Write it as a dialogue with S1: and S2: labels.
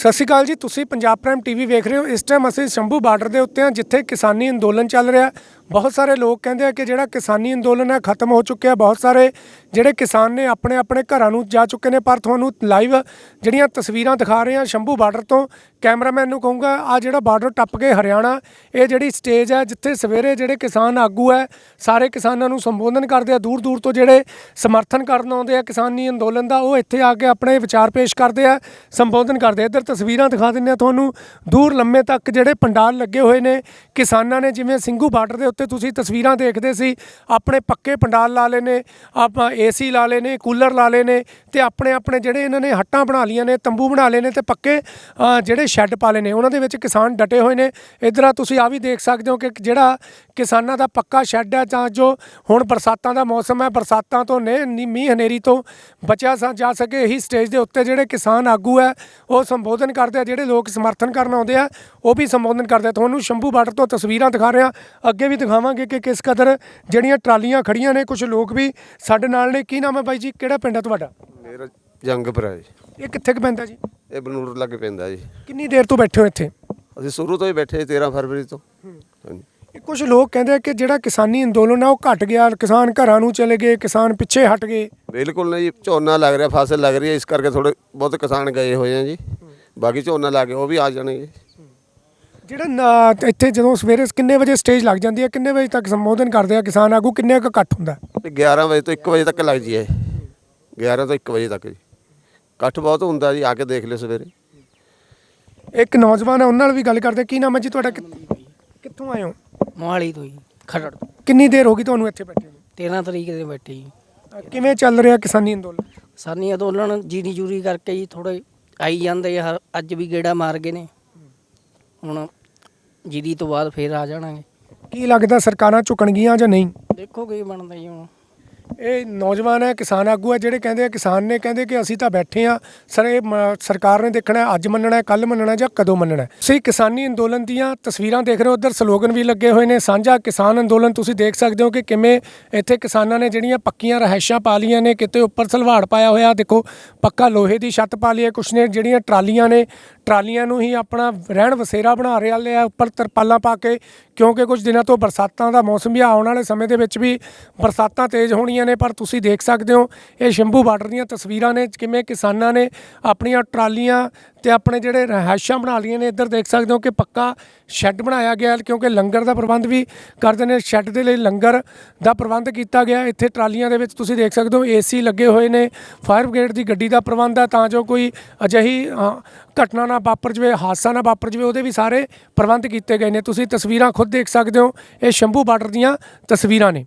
S1: ਸਤਿ ਸ਼੍ਰੀ ਅਕਾਲ ਜੀ। ਤੁਸੀਂ ਪੰਜਾਬ ਪ੍ਰਾਈਮ ਟੀਵੀ ਵੇਖ ਰਹੇ ਹੋ। ਇਸ ਟਾਈਮ ਅਸੀਂ ਸ਼ੰਭੂ ਬਾਰਡਰ ਦੇ ਉੱਤੇ ਹਾਂ, ਜਿੱਥੇ ਕਿਸਾਨੀ ਅੰਦੋਲਨ ਚੱਲ ਰਿਹਾ। ਬਹੁਤ ਸਾਰੇ ਲੋਕ ਕਹਿੰਦੇ ਆ ਕਿ ਜਿਹੜਾ ਕਿਸਾਨੀ ਅੰਦੋਲਨ ਹੈ ਖਤਮ ਹੋ ਚੁੱਕਿਆ। ਬਹੁਤ ਸਾਰੇ ਜਿਹੜੇ ਕਿਸਾਨ ਨੇ ਆਪਣੇ ਆਪਣੇ ਘਰਾਂ ਨੂੰ ਜਾ ਚੁੱਕੇ ਨੇ। ਪਰ ਤੁਹਾਨੂੰ ਲਾਈਵ ਜਿਹੜੀਆਂ ਤਸਵੀਰਾਂ ਦਿਖਾ ਰਹੇ ਹਾਂ ਸ਼ੰਭੂ ਬਾਰਡਰ ਤੋਂ, ਕੈਮਰਾਮੈਨ ਨੂੰ ਕਹੂੰਗਾ ਆ ਜਿਹੜਾ ਬਾਰਡਰ ਟੱਪ ਕੇ ਹਰਿਆਣਾ, ਇਹ ਜਿਹੜੀ ਸਟੇਜ ਹੈ ਜਿੱਥੇ ਸਵੇਰੇ ਜਿਹੜੇ ਕਿਸਾਨ ਆਗੂ ਹੈ ਸਾਰੇ ਕਿਸਾਨਾਂ ਨੂੰ ਸੰਬੋਧਨ ਕਰਦੇ ਆ। ਦੂਰ ਦੂਰ ਤੋਂ ਜਿਹੜੇ ਸਮਰਥਨ ਕਰਨ ਆਉਂਦੇ ਆ ਕਿਸਾਨੀ ਅੰਦੋਲਨ ਦਾ, ਉਹ ਇੱਥੇ ਆ ਕੇ ਆਪਣੇ ਵਿਚਾਰ ਪੇਸ਼ ਕਰਦੇ ਆ, ਸੰਬੋਧਨ ਕਰਦੇ। ਇੱਧਰ ਤਸਵੀਰਾਂ ਦਿਖਾ ਦਿੰਦੇ ਆ ਤੁਹਾਨੂੰ। ਦੂਰ ਲੰਮੇ ਤੱਕ ਜਿਹੜੇ ਪੰਡਾਲ ਲੱਗੇ ਹੋਏ ਨੇ ਕਿਸਾਨਾਂ ਨੇ, ਜਿਵੇਂ ਸਿੰਘੂ ਬਾਰਡਰ ਦੇ ਉੱਤੇ ਤੁਸੀਂ ਤਸਵੀਰਾਂ ਦੇਖਦੇ ਸੀ, ਆਪਣੇ ਪੱਕੇ ਪੰਡਾਲ ਲਾ ਲਏ ਨੇ, ਆਪਾਂ ਏਸੀ ਲਾ ਲਏ ਨੇ, ਕੂਲਰ ਲਾ ਲਏ ਨੇ, ਤੇ ਆਪਣੇ ਆਪਣੇ ਜਿਹੜੇ ਇਹਨਾਂ ਨੇ ਹੱਟਾਂ ਬਣਾ ਲਈਆਂ ਨੇ, ਤੰਬੂ ਬਣਾ ਲਏ ਨੇ, ਤੇ ਪੱਕੇ ਜਿਹੜੇ ਸ਼ੈੱਡ ਪਾ ਲਏ ਨੇ। ਉਹਨਾਂ ਦੇ ਵਿੱਚ ਕਿਸਾਨ ਡਟੇ ਹੋਏ ਨੇ। ਇੱਧਰ ਤੁਸੀਂ ਆ ਵੀ ਦੇਖ ਸਕਦੇ ਹੋ ਕਿ ਜਿਹੜਾ ਕਿਸਾਨਾਂ ਦਾ ਪੱਕਾ ਸ਼ੈੱਡ ਹੈ, ਤਾਂ ਜੋ ਹੁਣ ਬਰਸਾਤਾਂ ਦਾ ਮੌਸਮ ਹੈ, ਬਰਸਾਤਾਂ ਤੋਂ ਮੀਂਹ ਹਨੇਰੀ ਤੋਂ ਬਚਿਆ ਜਾ ਸਕੇ। ਇਹੀ ਸਟੇਜ ਦੇ ਉੱਤੇ ਜਿਹੜੇ ਕਿਸਾਨ ਆਗੂ ਹੈ ਉਹ ਸੰਬੋਧਨ ਕਰਦੇ ਆ। ਜਿਹੜੇ ਲੋਕ ਸਮਰਥਨ ਕਰਨ ਆਉਂਦੇ ਆ ਉਹ ਵੀ ਸੰਬੋਧਨ ਕਰਦੇ ਆ। ਤੁਹਾਨੂੰ ਸ਼ੰਭੂ ਬਾਰਡਰ ਤੋਂ ਤਸਵੀਰਾਂ ਦਿਖਾ ਰਿਹਾ, ਅੱਗੇ ਵੀ ਦਿਖਾਵਾਂਗੇ ਕਿ ਕਿਸ ਕਦਰ ਜਿਹੜੀਆਂ ਟਰਾਲੀਆਂ ਖੜੀਆਂ ਨੇ। ਕੁਝ ਲੋਕ ਵੀ ਸਾਡੇ ਨਾਲ ਨੇ। ਕੀ ਨਾਮ ਹੈ ਬਾਈ ਜੀ, ਕਿਹੜਾ ਪਿੰਡ ਹੈ ਤੁਹਾਡਾ?
S2: ਮੇਰਾ ਜੰਗਪੁਰਾ ਜੀ।
S1: ਇਹ ਕਿੱਥੇ ਕੁ ਪੈਂਦਾ ਜੀ?
S2: ਇਹ ਬਨੂੜ ਲੱਗੇ ਪੈਂਦਾ ਜੀ।
S1: ਕਿੰਨੀ ਦੇਰ ਤੋਂ ਬੈਠੇ ਹੋ ਇੱਥੇ?
S2: ਅਸੀਂ ਸ਼ੁਰੂ ਤੋਂ ਹੀ ਬੈਠੇ 13 ਫਰਵਰੀ ਤੋਂ। ਹਾਂਜੀ।
S1: ਕੁਝ ਲੋਕ ਕਹਿੰਦੇ ਆ ਕਿ ਜਿਹੜਾ ਕਿਸਾਨੀ ਅੰਦੋਲਨ ਆ ਉਹ ਘਟ ਗਿਆ, ਕਿਸਾਨ ਘਰਾਂ ਨੂੰ ਚਲੇ ਗਏ, ਕਿਸਾਨ ਪਿੱਛੇ ਹਟ ਗਏ।
S2: ਬਿਲਕੁਲ ਨਹੀਂ ਜੀ, ਝੋਨਾ ਲੱਗ ਰਿਹਾ, ਫਸਲ ਲੱਗ ਰਹੀ ਹੈ, ਇਸ ਕਰਕੇ ਥੋੜੇ ਬਹੁਤ ਕਿਸਾਨ ਗਏ ਹੋਏ ਆ ਜੀ। ਬਾਕੀ ਝੋਨਾ ਲਾ ਕੇ ਉਹ ਵੀ ਆ ਜਾਣਗੇ।
S1: ਜਿਹੜਾ ਇੱਥੇ ਜਦੋਂ ਸਵੇਰੇ ਕਿੰਨੇ ਵਜੇ ਸਟੇਜ ਲੱਗ ਜਾਂਦੀ ਹੈ, ਕਿੰਨੇ ਵਜੇ ਤੱਕ ਸੰਬੋਧਨ ਕਰਦੇ ਆ ਕਿਸਾਨ ਆਗੂ, ਕਿੰਨੇ ਕੁ ਇਕੱਠ ਹੁੰਦਾ?
S2: 11 ਵਜੇ ਤੋਂ 1 ਵਜੇ ਤੱਕ ਲੱਗ ਜੀ। 11 ਤੋਂ 1 ਵਜੇ ਤੱਕ ਜੀ ਇਕੱਠ ਬਹੁਤ ਹੁੰਦਾ ਜੀ। ਆ ਕੇ ਦੇਖ ਲਿਓ ਸਵੇਰੇ।
S1: ਇੱਕ ਨੌਜਵਾਨ ਹੈ, ਉਹਨਾਂ ਨਾਲ ਵੀ ਗੱਲ ਕਰਦੇ। ਕੀ ਨਾਮ ਹੈ ਜੀ ਤੁਹਾਡਾ? ਕਿੱਥੋਂ ਆਏ ਹੋ?
S3: ਮੋਹਾਲੀ ਤੋਂ ਜੀ, ਖਰੜ ਤੋਂ।
S1: ਕਿੰਨੀ ਦੇਰ ਹੋ ਗਈ ਤੁਹਾਨੂੰ ਇੱਥੇ ਬੈਠੇ ਨੂੰ?
S3: 13 ਤਰੀਕ ਦੇ ਬੈਠੇ ਜੀ।
S1: ਕਿਵੇਂ ਚੱਲ ਰਿਹਾ ਕਿਸਾਨੀ ਅੰਦੋਲਨ?
S3: ਕਿਸਾਨੀ ਅੰਦੋਲਨ ਜੀਰੀ ਜੂਰੀ ਕਰਕੇ ਜੀ ਥੋੜੇ ਆਈ ਜਾਂਦੇ ਆ। ਅੱਜ ਵੀ ਗੇੜਾ ਮਾਰ ਗਏ ਨੇ, ਹੁਣ ਜੀਰੀ ਤੋਂ ਬਾਅਦ ਫੇਰ ਆ ਜਾਣਾਂਗੇ।
S1: ਕੀ ਲੱਗਦਾ ਸਰਕਾਰਾਂ ਝੁਕਣਗੀਆਂ ਜਾਂ ਨਹੀਂ?
S3: ਦੇਖੋ ਕੀ ਬਣਦਾ ਜੀ ਹੁਣ।
S1: ਇਹ ਨੌਜਵਾਨ ਹੈ, ਕਿਸਾਨ ਆਗੂ ਹੈ, ਜਿਹੜੇ ਕਹਿੰਦੇ ਆ, ਕਿਸਾਨ ਨੇ ਕਹਿੰਦੇ ਕਿ ਅਸੀਂ ਤਾਂ ਬੈਠੇ ਹਾਂ ਸਰ, ਇਹ ਸਰਕਾਰ ਨੇ ਦੇਖਣਾ ਅੱਜ ਮੰਨਣਾ, ਕੱਲ੍ਹ ਮੰਨਣਾ ਜਾਂ ਕਦੋਂ ਮੰਨਣਾ। ਤੁਸੀਂ ਕਿਸਾਨੀ ਅੰਦੋਲਨ ਦੀਆਂ ਤਸਵੀਰਾਂ ਦੇਖ ਰਹੇ ਹੋ। ਉੱਧਰ ਸਲੋਗਨ ਵੀ ਲੱਗੇ ਹੋਏ ਨੇ, ਸਾਂਝਾ ਕਿਸਾਨ ਅੰਦੋਲਨ। ਤੁਸੀਂ ਦੇਖ ਸਕਦੇ ਹੋ ਕਿ ਕਿਵੇਂ ਇੱਥੇ ਕਿਸਾਨਾਂ ਨੇ ਜਿਹੜੀਆਂ ਪੱਕੀਆਂ ਰਿਹਾਇਸ਼ਾਂ ਪਾ ਲਈਆਂ ਨੇ, ਕਿਤੇ ਉੱਪਰ ਸਲਵਾੜ ਪਾਇਆ ਹੋਇਆ, ਦੇਖੋ ਪੱਕਾ ਲੋਹੇ ਦੀ ਛੱਤ ਪਾ ਲਈ ਹੈ। ਕੁਛ ਨੇ ਜਿਹੜੀਆਂ ਟਰਾਲੀਆਂ ਨੇ, ਟਰਾਲੀਆਂ ਨੂੰ ਹੀ ਆਪਣਾ ਰਹਿਣ ਵਸੇਰਾ ਬਣਾ ਰਹੇ ਆ, ਉੱਪਰ ਤਰਪਾਲਾਂ ਪਾ ਕੇ, ਕਿਉਂਕਿ ਕੁਝ ਦਿਨਾਂ ਤੋਂ ਬਰਸਾਤਾਂ ਦਾ ਮੌਸਮ ਵੀ ਆਉਣ ਵਾਲੇ ਸਮੇਂ ਦੇ ਵਿੱਚ ਵੀ ਬਰਸਾਤਾਂ ਤੇਜ਼ ਹੋਣੀਆਂ ਨੇ। ਪਰ ਤੁਸੀਂ ਦੇਖ ਸਕਦੇ ਹੋ ਇਹ ਸ਼ੰਭੂ ਬਾਰਡਰ ਦੀਆਂ ਤਸਵੀਰਾਂ ਨੇ, ਕਿਵੇਂ ਕਿਸਾਨਾਂ ਨੇ ਆਪਣੀਆਂ ਟਰਾਲੀਆਂ ਤੇ ਆਪਣੇ ਜਿਹੜੇ ਰਿਹਾਇਸ਼ਾਂ ਬਣਾ ਲਈਆਂ ਨੇ। ਇੱਧਰ ਦੇਖ ਸਕਦੇ ਹੋ ਕਿ ਪੱਕਾ ਸ਼ੈੱਡ ਬਣਾਇਆ ਗਿਆ, ਕਿਉਂਕਿ ਲੰਗਰ ਦਾ ਪ੍ਰਬੰਧ ਵੀ ਕਰਦੇ ਨੇ। ਸ਼ੈੱਡ ਦੇ ਲਈ ਲੰਗਰ ਦਾ ਪ੍ਰਬੰਧ ਕੀਤਾ ਗਿਆ। ਇੱਥੇ ਟਰਾਲੀਆਂ ਦੇ ਵਿੱਚ ਤੁਸੀਂ ਦੇਖ ਸਕਦੇ ਹੋ ਏਸੀ ਲੱਗੇ ਹੋਏ ਨੇ। ਫਾਇਰ ਬ੍ਰਿਗੇਡ ਦੀ ਗੱਡੀ ਦਾ ਪ੍ਰਬੰਧ ਹੈ, ਤਾਂ ਜੋ ਕੋਈ ਅਜਿਹੀ ਘਟਨਾ ਨਾ ਵਾਪਰ ਜਾਵੇ, ਹਾਦਸਾ ਨਾ ਵਾਪਰ ਜਾਵੇ, ਉਹਦੇ ਵੀ ਸਾਰੇ ਪ੍ਰਬੰਧ ਕੀਤੇ ਗਏ ਨੇ। ਤੁਸੀਂ ਤਸਵੀਰਾਂ ਖੁਦ ਦੇਖ ਸਕਦੇ ਹੋ। ਇਹ ਸ਼ੰਭੂ ਬਾਰਡਰ ਦੀਆਂ ਤਸਵੀਰਾਂ ਨੇ।